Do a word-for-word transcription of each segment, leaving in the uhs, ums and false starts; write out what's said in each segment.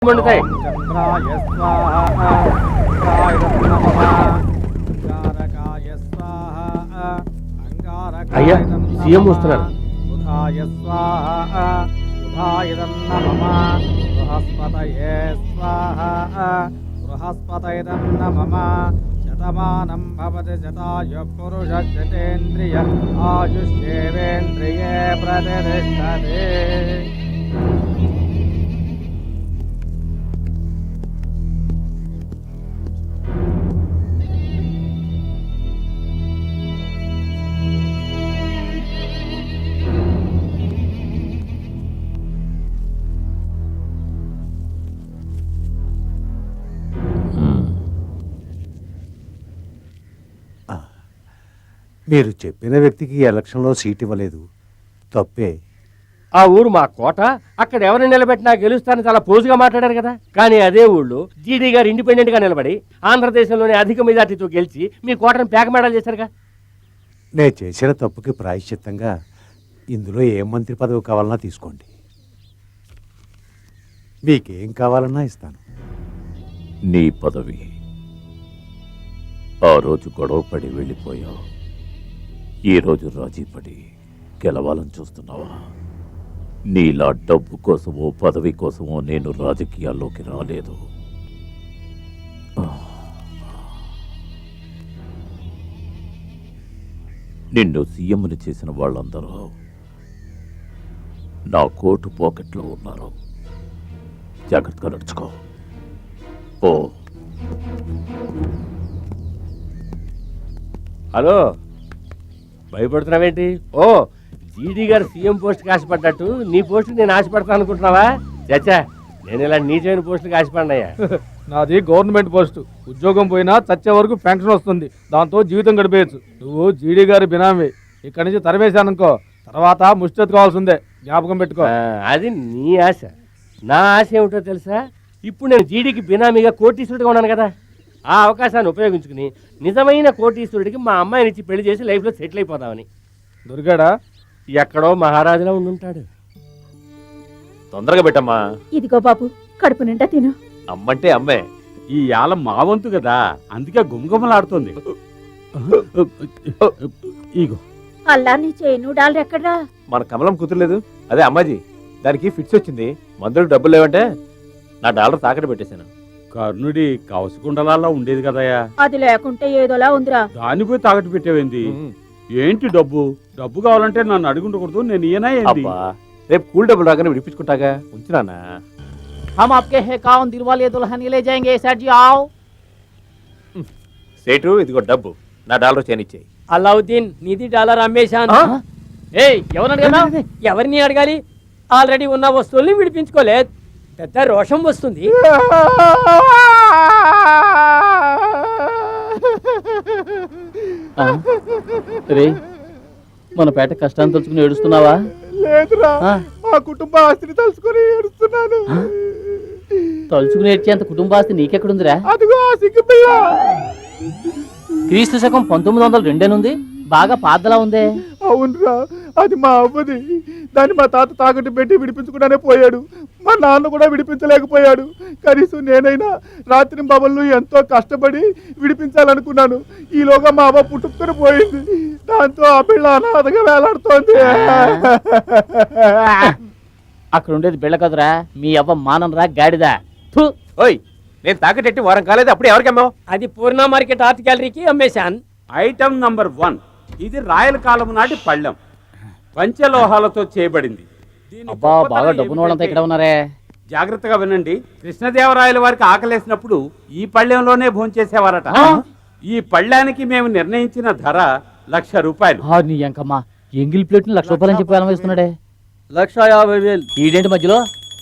మండుతాయి. అయ్యా సీఎం వస్తున్నారు. శతమానం భవతి శతాయు పురుష శతేంద్రియ ఆయుష్యేవేంద్రియే ప్రతిష్టతే. మీరు చెప్పిన వ్యక్తికి ఎలక్షన్లో సీట్ ఇవ్వలేదు, తప్పే. ఆ ఊరు మా కోట, అక్కడ ఎవరిని నిలబెట్టినా గెలుస్తానని చాలా పోజుగా మాట్లాడారు కదా. కానీ అదే ఊళ్ళో జీడీ గారు ఇండిపెండెంట్ గా నిలబడి ఆంధ్రదేశంలోనే అధిక మెజార్టీతో గెలిచి మీ కోటను పేకమేడాలు చేశారుగా. నేను చేసిన తప్పుకి ప్రాయశ్చిత్తంగా ఇందులో ఏ మంత్రి పదవి కావాలన్నా తీసుకోండి, మీకేం కావాలన్నా ఇస్తాను. నీ పదవి ఆ రోజు గొడవపడి వెళ్ళిపోయావు, ఈరోజు రాజీపడి గెలవాలని చూస్తున్నావా? నీలా డబ్బు కోసమో పదవి కోసమో నేను రాజకీయాల్లోకి రాలేదు. నిన్ను సీఎంని చేసిన వాళ్ళందరూ నా కోటు పాకెట్లో ఉన్నారు. జాగ్రత్తగా నడుచుకో. ఓ హలో, భయపడుతున్నావేంటి? ఓ జీడీ గారు సీఎం పోస్ట్కి ఆశపడ్డట్టు నీ పోస్టుకి నేను ఆశపడతాను అనుకుంటున్నావా? చచ్చా, నేను ఇలా నీచమైన పోస్టుకి ఆశపడినాయా? నాది గవర్నమెంట్ పోస్ట్, ఉద్యోగం పోయినా చచ్చే వరకు పెన్షన్ వస్తుంది, దాంతో జీవితం గడిపేయచ్చు. నువ్వు జీడీ గారి బినామీ, ఇక్కడి నుంచి తరివేశాననుకో తర్వాత ముష్టెత్తు కావాల్సిందే, జ్ఞాపకం పెట్టుకో. అది నీ ఆశ. నా ఆశ ఏమిటో తెలుసా? ఇప్పుడు నేను జీడీకి బినామీగా కోటీశ్వరుడిగా ఉన్నాను కదా, ఆ అవకాశాన్ని ఉపయోగించుకుని నిజమైన కోటీశ్వరుడికి మా అమ్మాయిని ఇచ్చి పెళ్లి చేసి లైఫ్లో సెటిల్ అయిపోదామని. దొరికాడా? ఎక్కడో మహారాజులా ఉండుంటాడు. తొందరగా పెట్టమ్మా. ఇదిగో బాబు, కడుపు నిండా తిను. అమ్మంటే అమ్మే, ఈ యాల మా వంతు కదా, అందుకే గుమగుమలాడుతుంది. ఇగో అల్లా నీ చేను డాలర్ ఎక్కడ్రా? మన కమలం కుదరలేదు, అదే అమ్మాజీ, దానికి ఫిట్స్ వచ్చింది, మందులకు డబ్బులు లేవంటే నా డాలర్ తాకట్టు పెట్టేశాను. కర్ణుడి కవసకుండలాల్లో ఉండేది కదయా, అది లేకుంటే ఏదోలా ఉందిరా. దాన్ని పోయి తాకట్టు పెట్టేవేంది? ఏంటి డబ్బు? డబ్బు కావాలంటే నన్ను అడుగుండకూడదు, నేను ఈయన ఏంటి? రేపు కూల్ డబ్బులు రాగానే విడిపించుకుంటాగా, ఉంచినానా? हम आपके है कौन दिल वाले दुल्हन ले जाएंगे सेठ जी, आओ. సేటు ఇదిగో డబ్బు, నా డాలర్ చేనిచ్చేయి. అల్లావుద్దీన్, నీది డాలర్ అమ్మేశాను. ఏయ్, ఎవరిని అడగాలి? ఎవరిని అడగాలి? ఆల్రెడీ ఉన్న వస్తువుల్ని విడిపించుకోలేదు, పెద్ద రోషం వస్తుంది. మన పేట కష్టాన్ని తలుచుకుని ఏడుస్తున్నావా? లేదురా, మా కుటుంబ ఆస్తిని తలుచుకుని ఏడుస్తున్నాను. తలుచుకుని ఏడ్చేంత కుటుంబాస్తి నీకెక్కడుందిరా? అదిగో ఆ సిగ్గు పిల్ల. క్రీస్తు శకం పంతొమ్మిది వందల రెండేనుంది, బాగా పాతలా ఉందే. అవునరా, అది మా అవ్వది. దాన్ని మా తాత తాకట్టు పెట్టి విడిపించుకుంటానే పోయాడు, మా నాన్న కూడా విడిపించలేకపోయాడు. కనీసం నేనైనా రాత్రి బబళ్ళు ఎంతో కష్టపడి విడిపించాలనుకున్నాను. ఈలోగా మా అవ్వ పుట్టుకుని పోయింది, దాంతో ఆ పిల్ల అనాథగా వేలాడుతోంది. అక్కడ ఉండేది బిళ్ళ కదరా, మీ అవ్వ మానంరా గాడిదా. ఓయ్, నేను తాకటెట్టి వారం కాలేదు, అప్పుడు ఎవరికి అమ్మావు? అది పూర్ణ మార్కెట్ ఆర్ట్ గ్యాలరీకి అమ్మేశాను. ఐటమ్ నంబర్ వన్, ఇది రాయల కాలం నాటి పళ్ళెం, పంచలోహాలతో చేయబడింది. అబ్బా, బాగా డబ్బున వాళ్ళంతా ఇక్కడ ఉన్నారే. జాగ్రత్తగా వినండి, కృష్ణదేవరాయల వారికి ఆకలేసినప్పుడు ఈ పళ్ళెంలోనే భోంచేసేవారట. ఈ పళ్ళానికి మేము నిర్ణయించిన ధర లక్ష రూపాయలు. నీ ఎంకమ్మా, ఎంగిల్ ప్లేట్ లక్ష రూపాయలు చెప్పి అలవేస్తున్నాడే. లక్ష యాభై వేలు. ఈడేంటి మధ్యలో?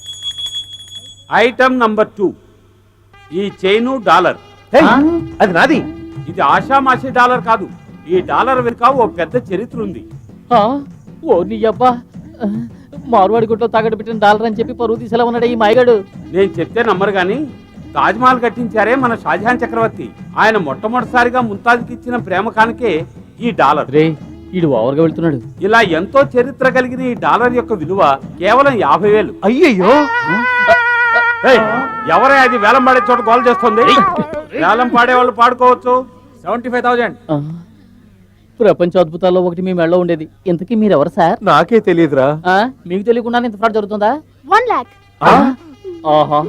ఐటమ్ నంబర్ టూ, ఈ చైను డాలర్. అది నాది. ఇది ఆషామాషి డాలర్ కాదు, ఈ డాలర్ వెనుక ఓ పెద్ద చరిత్ర ఉంది. ఓ నీ అబ్బా, మార్వాడి గుట్లో తాగట్టు పెట్టిన డాలర్ అని చెప్పి పరువు తీసేలా ఉన్నాడు ఈ మాయగాడు. నేను చెప్తే నమ్మరు గాని, తాజ్మహల్ కట్టించారే మన షాజహాన్ చక్రవర్తి, ఆయన మొట్టమొదటిసారిగా ముంతాజ్కి ఇచ్చిన ప్రేమ కానుకే ఈ డాలర్. రే, ఈడు ఓవర్గా వెళ్తున్నాడు. ఇలా ఎంతో చరిత్ర కలిగిన ఈ డాలర్ యొక్క విలువ కేవలం యాభై వేలు. అయ్యయ్యో, ఏయ్, ఎవరే అది వేలం పాడే చోట గోల్ చేస్తుంది? వేలం పాడే వాళ్ళు పాడుకోవచ్చు. సెవెంటీ ఫైవ్ థౌజండ్ ప్రపంచ అద్భుతాల్లో ఒకటి మీ మెడలో ఉండేది. ఇంతకీ మీరు ఎవరు సార్? నాకే తెలియదురా. ఆ, మీకు తెలియకుండా ఇంత ఫ్రాడ్ జరుగుతుందా? వన్ లాక్ ఆహా.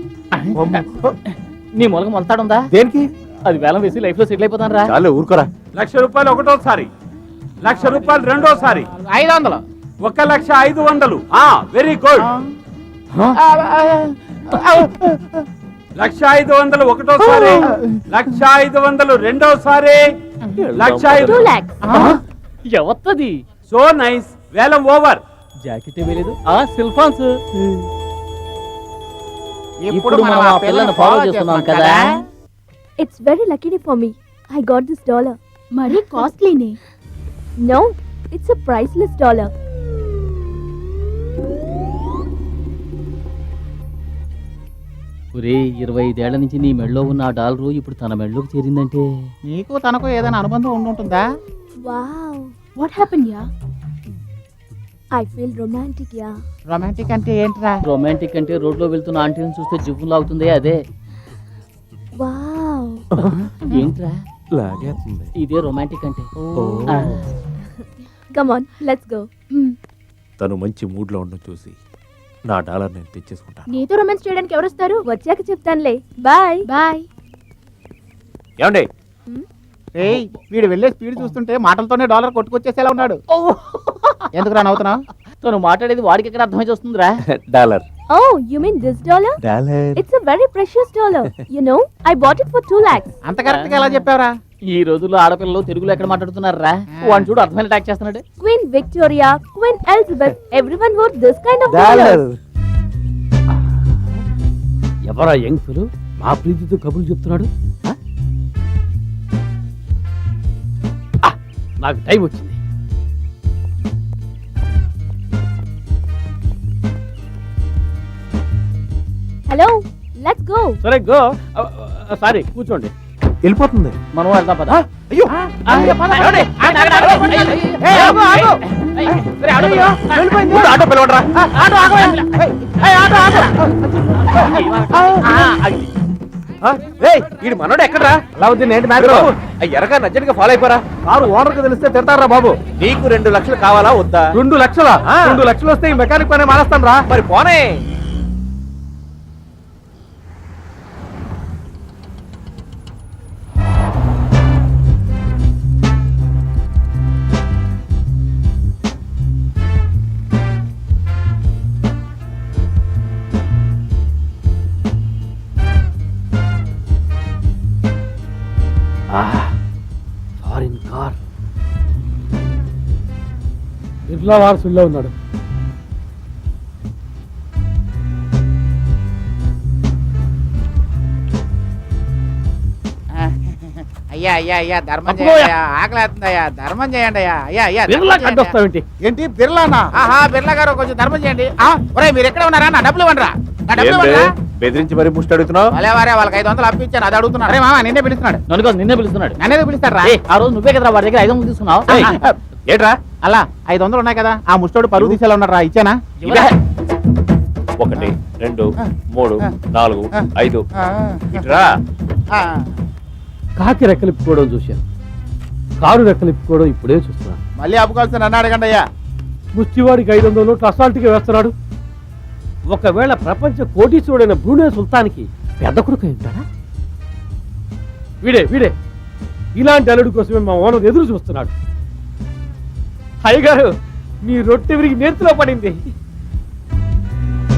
నీ మూలక మొలతాడుందా? దేనికి? అది వేలం వేసి లైఫ్ లో సెటిల్ అయిపోతాను రా. చాలు ఊరుకోరా. లక్ష రూపాయలు ఒకటోసారి, లక్ష రూపాయలు రెండోసారి, ఐదు వందలు, ఒక లక్ష ఐదు వందలు. ఆ వెరీ గుడ్. లక్ష ఐదు వందలు ఒకటోసారి, లక్ష ఐదు వందలు రెండోసారి, లక్ష ఐదు. టూ లాక్స్ ఎవత్తది? So nice. వేలం ఓవర్. జాకెట్ వేయలేదు. ఆ సిల్ఫాన్స్. ఇప్పుడు మనం ఆ పిల్లని ఫాలో చేస్తున్నాం కదా. It's very lucky for me. I got this dollar. మరీ కాస్ట్లీనే. No, it's a priceless dollar. ఒరే, ఇరవై ఐదేళ్ల నుంచి నీ మెడలో ఉన్న ఆ డాలరు ఇప్పుడు తన మెడలోకి చేరిందంటే నీకు తనకు ఏదైనా అనుబంధం ఉండుంటుందా? Wow, what happen ya? I feel romantic ya. Romantic అంటే ఏంట్రా? రొమాంటిక్ అంటే రోడ్లో వెళ్తున్న ఆంటీని చూస్తే జివ్వు లాగుతుంది, అదే. వావ్. ఏంట్రా లాగేస్తుంది. ఇదే రొమాంటిక్ అంటే. Come on, let's go. తను మంచి మూడ్ లో ఉండడం చూసి నా డాలర్ నేను తెచ్చేసుకుంటాను. నీతో రొమాన్స్ చేయడానికి ఎవరు వస్తారు? వచ్చాక చెప్తానులే. Bye bye. ఏమండి? ఏయ్, వీడు వెళ్ళే స్పీడ్ చూస్తుంటే మాటలతోనే డాలర్ కొట్టుకొచ్చేసేలా ఉన్నాడు. ఎందుకురా నవ్వుతున్నావు? తను మాట్లాడేది వాడికి ఎక్కడ అర్థమై వస్తుందిరా? Dollar. Oh, you mean this dollar? Dollar. It's a very precious dollar. You know, I bought it for two lakhs. అంత కరెక్ట్ గా ఎలా చెప్పావురా? ఈ రోజుల్లో ఆడపిల్లలు తెలుగులో ఎక్కడ మాట్లాడుతున్నారా? వాడిని చూడు అర్థమైన అటాక్ చేస్తున్నాడు. Queen Victoria, Queen Elizabeth, everyone wore this kind of dollar. dollars. ఎవరా యంగ్ ఫెలో మా ప్రీతితో కబుర్లు చెప్తున్నాడు? ఆ? ఆ, నాకు టైం వచ్చింది. Hello, let's go. సరే గో. సారీ, కూర్చోండి. వెళ్ళిపోతుంది. మనం వెళ్దాం పద. అయ్యో. ఆటో పిలవడరా. వీడు మనోడు ఎక్కడరా? అలావుద్దీన్ ఏంటి మీరు ఎరగా నజ్జడిగా ఫాలో అయిపోరా. కారు ఓనర్ కి తెలిస్తే తిడతారా బాబు? నీకు రెండు లక్షలు కావాలా వద్దా? రెండు లక్షల ఆ. రెండు లక్షలు వస్తే ఈ మెకానిక్ పని మానేస్తాను రా. మరి పోనే. Foreign car. బిర్లా వారసుల్లో ఉన్నాడు. అయ్యా అయ్యా అయ్యా ధర్మం అబ్బో, చేయండి అయ్యా, ఆకలేస్తుంది అయ్యా, ధర్మం చేయండి అయ్యా. అయ్యా అయ్యా ధర్మం బిర్లా చేయండి అయ్యా. కడ్డొస్తావేంటి? ఏంటి బిర్లానా? ఆహా బిర్లా గారు కొంచెం ధర్మం చేయండి. ఆ, ఒరేయ్ మీరు ఎక్కడ ఉన్నారా? నా డబ్బులు ఇవ్వండిరా. నా డబ్బులు ఏం బే? ఇవ్వండిరా. బెదిరించి మరి ముష్టి అడుగుతున్నావు? భలే వారే, వాళ్ళకి ఐదు వందలు అప్పించాను, అది అడుగుతున్నాడు. అరే మామ నిన్నే పిలుస్తున్నాడు. నన్ను కాదు, నిన్నే పిలుస్తున్నాడు. నన్నేదో పిలుస్తాడు ఏయ్, ఆ రోజు నువ్వే కదరా వాడి దగ్గర ఐదు వందలు తీసుకున్నావు. ఏయ్, ఏంట్రా? అలా ఐదు వందలు ఉన్నాయి కదా, ఆ ముష్టోడు పరువు తీసేలా ఉన్నాడు రా. ఇచ్చానా? ఇవ్వరా? ఒకటి రెండు మూడు నాలుగు ఐదు ఇట్రా. కాకి రెక్కలిప్పుకోవడం చూశాను, కారు రెక్కలిప్పుకోవడం ఇప్పుడే చూస్తున్నాను. మళ్ళీ అప్పుకోవాల్సి నన్ను అడగండి అయ్యా. ముష్టివాడికి ఐదు వందలు నోట్లు అసాల్ట్గా వేస్తున్నాడు. ఒకవేళ ప్రపంచ కోటీశ్వరుడైన బ్రూనే సుల్తాన్కి పెద్ద కొడుకు అయి ఉంటాడా? వీడే వీడే ఇలాంటి అల్లుడి కోసమే మా ఓనర్ ఎదురు చూస్తున్నాడు. అయ్యగారు, మీ రొట్టె విరిగి నేర్చులో పడింది.